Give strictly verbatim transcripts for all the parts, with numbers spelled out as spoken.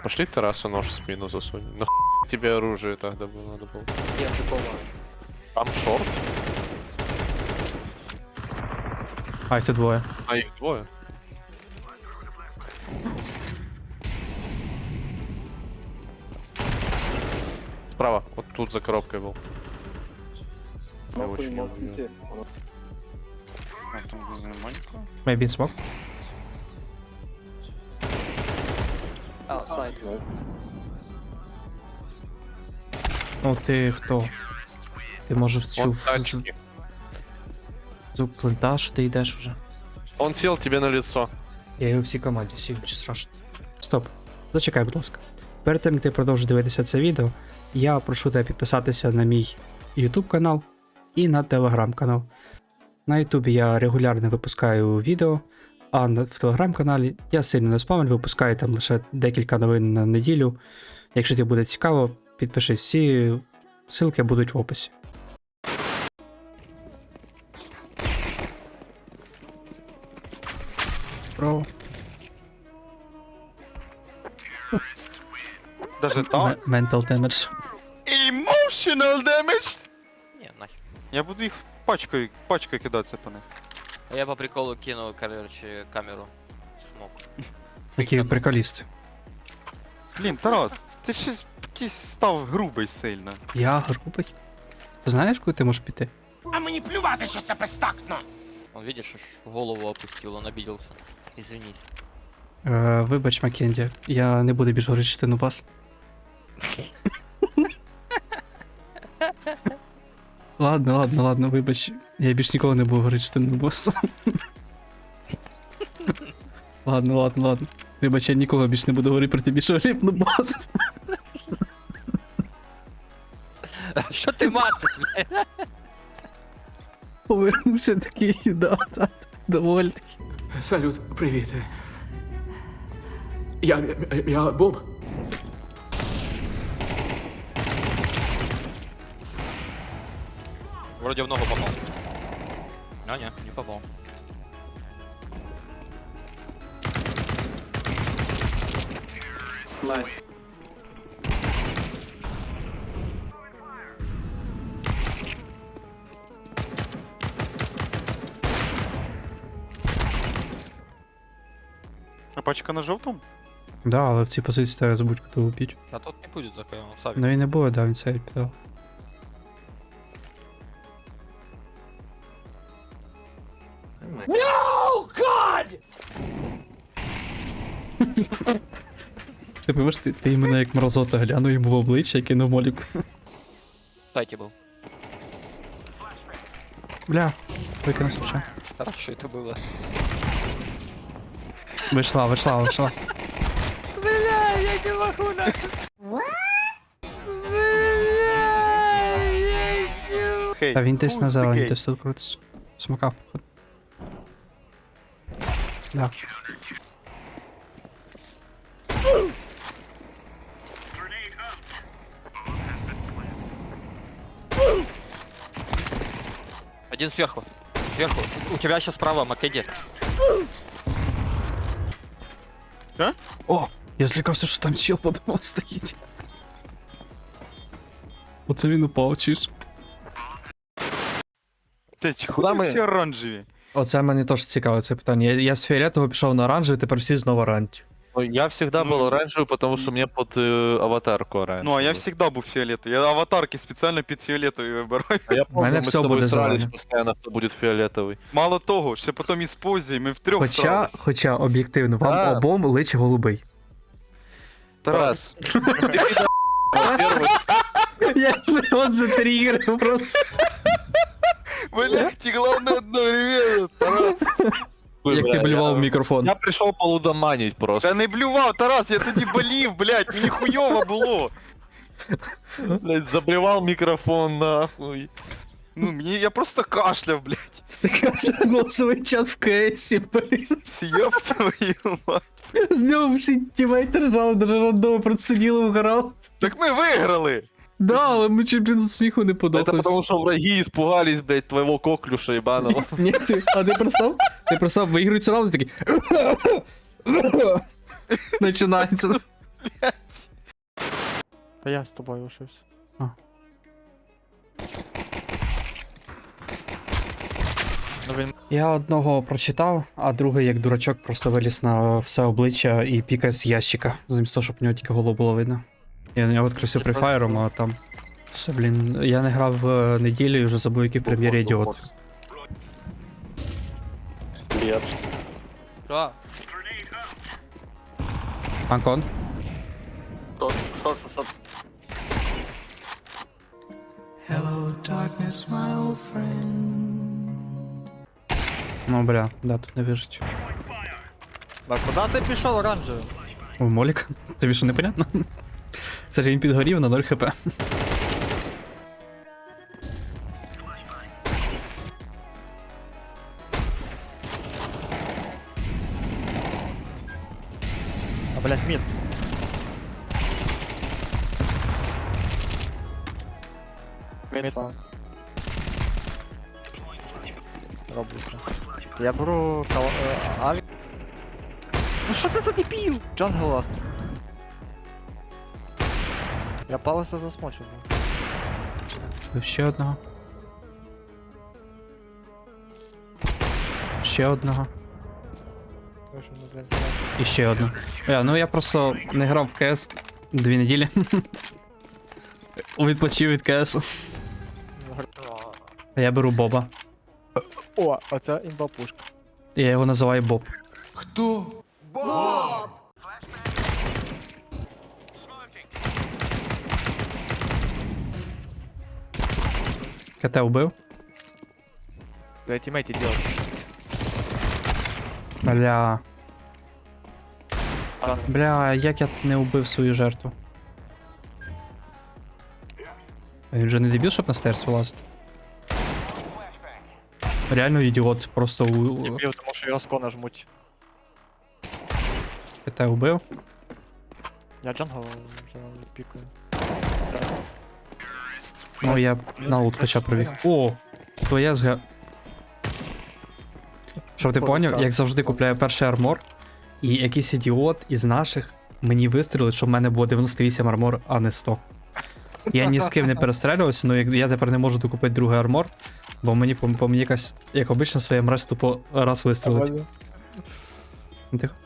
Пошли террасу нож в спину засунь. Нахуй тебе оружие тогда было надо было. Я прикольно. Там шорт? А, їх тут двоє. А их двое? Справа, вот тут за коробкой был. Я Нахуй, очень не молчите. А, там маленького. Maybe in smoke. Outside. Ну ти хто? Ти може Он вчув з- тачки. звук плента, що ти йдеш вже. Он сел тебе на лицо. Я його всій команді сів, чи страшно. Стоп. Зачекай, будь ласка. Перед тим, як ти продовжиш дивитися це відео, я прошу тебе підписатися на мій YouTube канал і на Telegram канал. На YouTube я регулярно випускаю відео, а на- в Telegram каналі я сильно не спамлю, випускаю там лише декілька новин на неділю. Якщо тобі буде цікаво, підпишись, всі ссылки будуть в описі. Про Даже ме- так? mental damage. Emotional damage! Не, нахер. Я буду їх пачкою, пачкою кидатися по них. А я по приколу кину, короче, камеру. Смог. Які приколісти. Блін, Тарас, ти щось якийсь став грубий сильно. Я грубий. Знаєш, куди ти можеш піти? А мені плювати, що це безтактно. Он, видишь, аж голову опустил, он обиделся. Извинись. Е, вибач, Маккенді, я не буду більш говорити частину бас. Ладно, ладно, ладно, вибач. Я більш ніколи не буду говорити частину бас. Ладно, ладно, ладно. Вибач, я ніколи більш не буду говорити про тобі, що ріпну бас. Что ты матишь, блядь? Повернувся такий, да, да, доволі таки. Салют, привіт. Я, я, я Боб. Вроде в ногу попал. А, не, не попал. Найс. А пачка на жовтому? Да, але в цій позиції треба забудь, куди убити. А тот не будет за он савик. Ну і не було, да, він це піддав. Ти пам'ятаєш, ти, ти іменно як мразота глянув йому в обличчя і кинув молік. Кстати, был. Бля, викинув случай. Хорошо это было. Вийшла, вийшла, вийшла. Бля, я не могу нахуй. Хей. Та він десь на who's the зелені, gay? десь тут крутиться. Смакав, походу. Да. Один сверху. Сверху. У тебя сейчас справа Македи. О! Я злякався, що там чел подумав стоїть. Оце він упав, чиш. Ти чого Куда ми? всі оранжеві? Оце мене теж цікаве це питання. Я, я з фіолетового пішов на оранжевий, тепер всі знову оранжеві. Ну, я всегда Ну. был оранжевый, потому что мне под э, аватарку оранжевый. Ну, а я завжди був фіолетовий. Я аватарки спеціально під фіолетовий вибираю. А я помню, мене мы все с тобой буде срались зелене. постоянно, кто будет фиолетовый. Мало того, ще потім із позі, ми втрьох Хоча, срались. хоча, об'єктивно, вам Так. обом личі голубий. Тарас, Ты пидор, первый. Я його затригерив просто. блядь, і головне одновременно, Тарас. Як ти Бля, блював в я- мікрофон. Я пришел полудоманить просто. Та не блював, Тарас, я тоді болів, блядь, мені хуйово було. Блять, заблевал микрофон нахуй. Ну, мені, я просто кашляв, блядь. Ти кажеш, голосовий чат в КСі, блін. Ёб твою мать. З нього всі тімейти ржали, даже рандоми просто сиділи вгорали. Так ми виграли. Да, але ми чуть, блін, з сміху не Это подохли. потому что враги испугались, блять, твоего коклюша ебаного. Ні, ти, а ти представ? Ти представ, виігрується раунд і такий. Починається. Та я з тобою лишився. А. Ну він Я одного прочитав, а другий, як дурачок, просто виліз на все обличчя і пікає з ящика, замість того, щоб в нього тільки голову було видно. Я на нього відкрився префайром, а там. Все, блін, я не грав е, неділю і вже забув, який в прем'єрі ідіот. Що? Анкон. Ну, бля, да, тут не вижить. А куди ти пішов оранжевий? О, Молік, тобі що непонятно? Це ж він підгорів на нуль хп. А блять, мід. Мід. Роблюся. Я беру кал... е, аві... Ну що це за дебіл? Джангл ласт. Я палеса засмочив. Ще одного. Ще одного. Тому що, ну, блядь, І ще одну. Я, ну я просто не грав в КС дві неділі. Відпочив від КС. А я беру Боба. О, оце імба пушка. Я його називаю Боб. Хто? КТ вбив. Для тімейті делать. Бля. Бля, як я не вбив свою жертву. А він вже не дебіл, щоб на стейрс вилазити? Реально ідіот, просто у... Дебіл, тому що його скона жмуть. КТ вбив. Я джангл вже пікаю. Ну я на лут хоча пробіг. О! Твоя зга... Щоб ти поняв, як завжди купляю перший армор, і якийсь ідіот із наших мені вистрілить, щоб в мене було дев'яносто вісім армор, а не сто. Я ні з ким не перестрелювався, але я тепер не можу докупити другий армор, бо мені по, по мені якась, як обично, своя мразь тупо раз вистрілить. Тихо.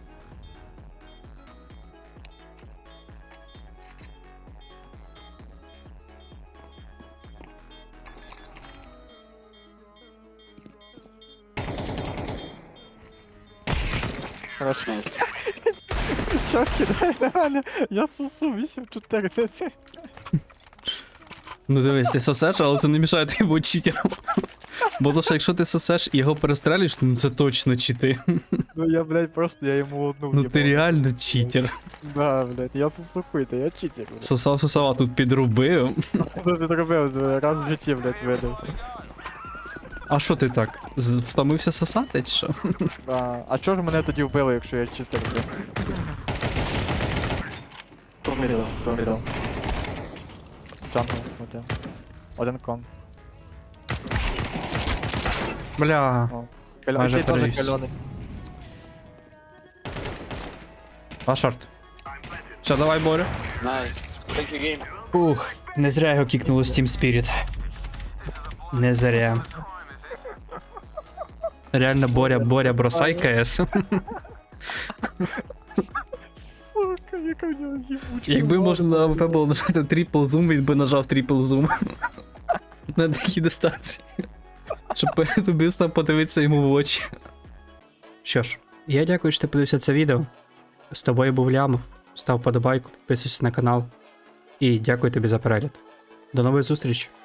Хорошо. Чо кидає на мене? Я сусу вісім чотири десять. Ну дивись, ти сосеш, але це не мішає тобі бути читером. Бо то, що якщо ти сосеш і його перестрелюєш, ну це точно чити. Ну я, блядь, просто я йому одну Ну ти реально читер. Да, блядь, я сусухуйте, я читер. блядь. Сосав, сосав, а тут підробив. Що ти зробив? Раз в житті, блядь, видав. А що ти так? з- Втомився сосати чи що? Да. А чого ж мене тоді вбили, якщо я читер, блядь? Поміряв, поміряв. Джангл, один. Один кон. Бля. Кальо... Майже Цей теж перевівся. кальоний. А шорт. Все, давай, Боря. Ух, не зря його кікнуло з Team Spirit. Не зря. Реально, Боря, Боря, бросай КС. Сука, яка в нього їбучка. Якби можна на АВП було нажати трипл зум, він би нажав трипл зум. На такій дистанції. Щоб перед убивством подивитися йому в очі. Що ж, я дякую, що ти подивився це відео. З тобою був Лямов. Став подобайку, підписуйся на канал. І дякую тобі за перегляд. До нових зустрічей.